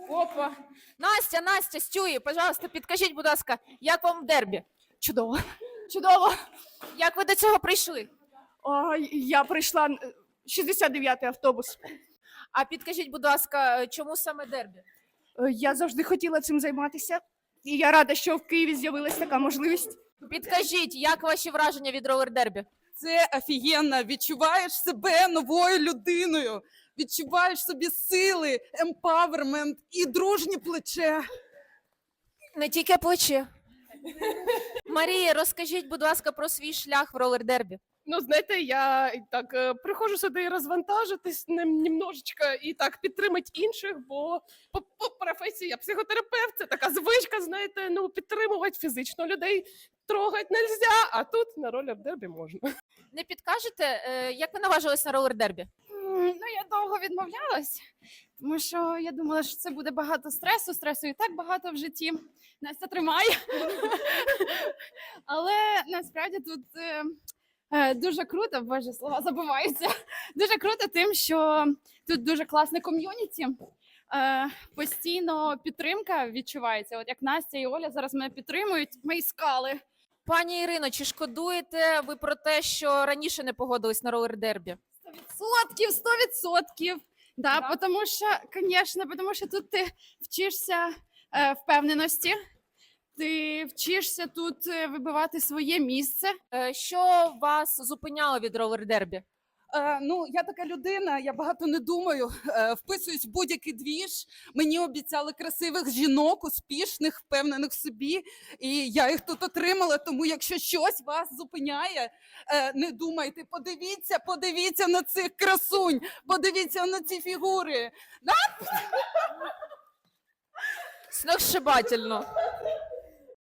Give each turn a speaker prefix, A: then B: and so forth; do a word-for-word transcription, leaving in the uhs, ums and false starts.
A: Опа. Настя, Настя, Стюї, пожалуйста, підкажіть, будь ласка, як вам дербі?
B: Чудово. Чудово.
A: Як ви до цього прийшли?
B: О, я прийшла е, шістдесят дев'ятий автобус.
A: А підкажіть, будь ласка, чому саме дербі?
B: Е, Я завжди хотіла цим займатися. І я рада, що в Києві з'явилась така можливість.
A: Підкажіть, як ваші враження від ролер-дербі?
C: Це офігенно. Відчуваєш себе новою людиною. Відчуваєш собі сили, емпавермент і дружнє плече.
A: Не тільки плече. Марія, розкажіть, будь ласка, про свій шлях в ролер-дербі.
D: Ну, знаєте, я і так е, приходжу сюди розвантажитись нем- немножечко і так підтримати інших, бо по, по професії я психотерапевт, це така звичка, знаєте, ну підтримувати фізично людей трогати нельзя, а тут на ролер-дербі можна.
A: Не підкажете, е, як ви наважились на ролер-дербі?
E: М, Ну, я довго відмовлялась, тому що я думала, що це буде багато стресу. Стресу і так багато в житті. Настя тримає. Але насправді тут е, е, дуже круто, боже, слова забуваються. Дуже круто тим, що тут дуже класне ком'юніті. Е, постійно підтримка відчувається. От як Настя і Оля зараз мене підтримують, мої скали.
A: Пані Ірино, чи шкодуєте ви про те, що раніше не погодились на ролер-дербі?
E: Сто відсотків, сто відсотків. Да,
A: Да?
E: тому що, звісно, тому що тут ти вчишся е, впевненості, ти вчишся тут е, вибивати своє місце.
A: Е, Що вас зупиняло від ролер-дербі?
C: Е, ну, я така людина, я багато не думаю, е, вписуюсь в будь-який двіж. Мені обіцяли красивих жінок, успішних, впевнених в собі. І я їх тут отримала, тому якщо щось вас зупиняє, е, не думайте, подивіться, подивіться на цих красунь, подивіться на ці фігури.
A: Сногсшибательно.